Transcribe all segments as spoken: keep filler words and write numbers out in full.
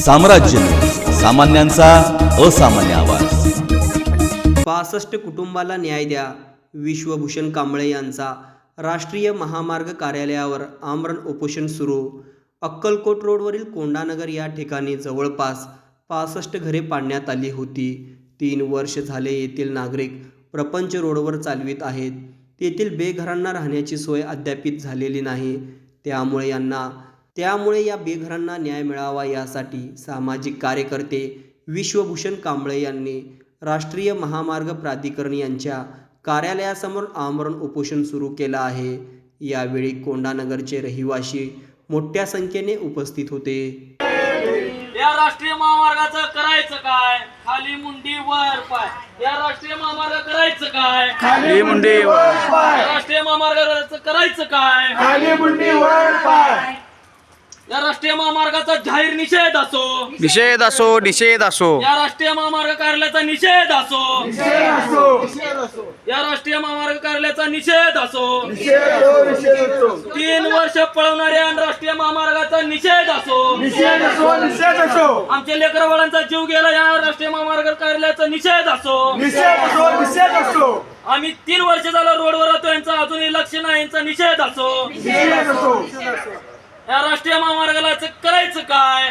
साम्राज्य, सामान्यांचा असामान्य आवाज। पासष्ट कुटुंबाला न्याय द्या, विश्वभूषण कांबळे यांचा राष्ट्रीय महामार्ग कार्यालयावर आमरण उपोषण सुरू। अक्कलकोट रोडवरील कोंडानगर या ठिकाणी जवळपास पासष्ट घरे पाडण्यात आली होती। तीन वर्ष झाले येथील नागरिक प्रपंच रोडवर चालवित आहेत। तेथील बेघरांना राहण्याची सोय अद्यापित झालेली नाही। त्यामुळे यांना त्यामुळे या बेघरांना न्याय मिळावा यासाठी सामाजिक कार्यकर्ते विश्वभूषण कांबळे यांनी राष्ट्रीय महामार्ग प्राधिकरण यांच्या कार्यालयासमोर आमरण उपोषण सुरू केलं आहे। यावेळी कोंडानगरचे रहिवासी मोठ्या संख्येने उपस्थित होते। या राष्ट्रीय महामार्गाचं करायचं काय? खाली मुंडी वर पाय। या राष्ट्रीय महामार्ग करायचं काय? खाली मुंडी वर पाय। या राष्ट्रीय महामार्गाचं करायचं काय? खाली मुंडी वर पाय। या राष्ट्रीय महामार्गाचा जाहीर निषेध असो, निषेध असो निषेध असो या राष्ट्रीय महामार्ग कार्यालयाचा निषेध असो, निषेध असो निषेध असो या राष्ट्रीय महामार्ग कार्यालयाचा निषेध असो, निषेध असो निषेध असो तीन वर्ष पळवणाऱ्या राष्ट्रीय महामार्गाचा निषेध असो, निषेध असो निषेध असो आमच्या लेकरवाळांचा जीव गेला या राष्ट्रीय महामार्ग कार्यालयाचा निषेध असो, निषेध असो निषेध असो आम्ही तीन वर्ष झालं रोडवर राहतो यांचा अजूनही लक्ष नाही यांचा निषेध असो। निषेध असो या राष्ट्रीय महामार्गाला करायचं काय?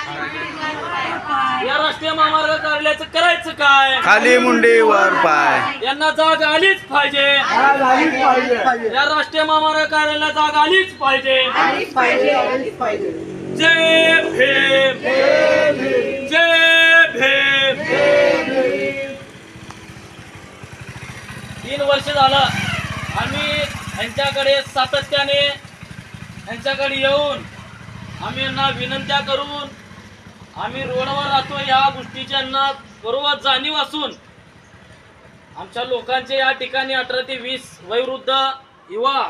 या राष्ट्रीय महामार्ग कार्यालयाचं करायचं काय? खाली मुंडी वर पाय। यांना जाग आलीच पाहिजे। आज आलीच पाहिजे या राष्ट्रीय महामार्ग कार्यालयाला जाग आलीच पाहिजे। आलीच पाहिजे आलीच पाहिजे जय भीम, जय भीम। तीन वर्ष झालं आम्ही यांच्याकडे सातत्याने यांच्याकडे येऊन आम्ही यांना विनंत्या करून आम्ही रोडवर राहतो या गोष्टीची यांना बरोबर जाणीव असून आमच्या लोकांचे या ठिकाणी अठरा ते वीस वयोवृद्ध युवा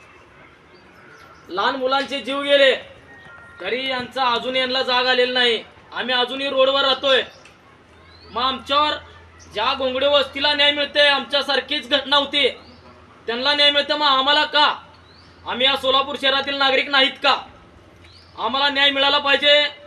लहान मुलांचे जीव गेले तरी यांचा अजून यांना जाग आलेला नाही। आम्ही अजूनही रोडवर राहतोय। मग आमच्यावर ज्या घोंगडे वस्तीला न्याय मिळते आमच्यासारखीच घटना होती त्यांना न्याय मिळते, मग आम्हाला का? आम्ही या सोलापूर शहरातील नागरिक नाहीत का? आम्हाला न्याय मिळाला पाहिजे।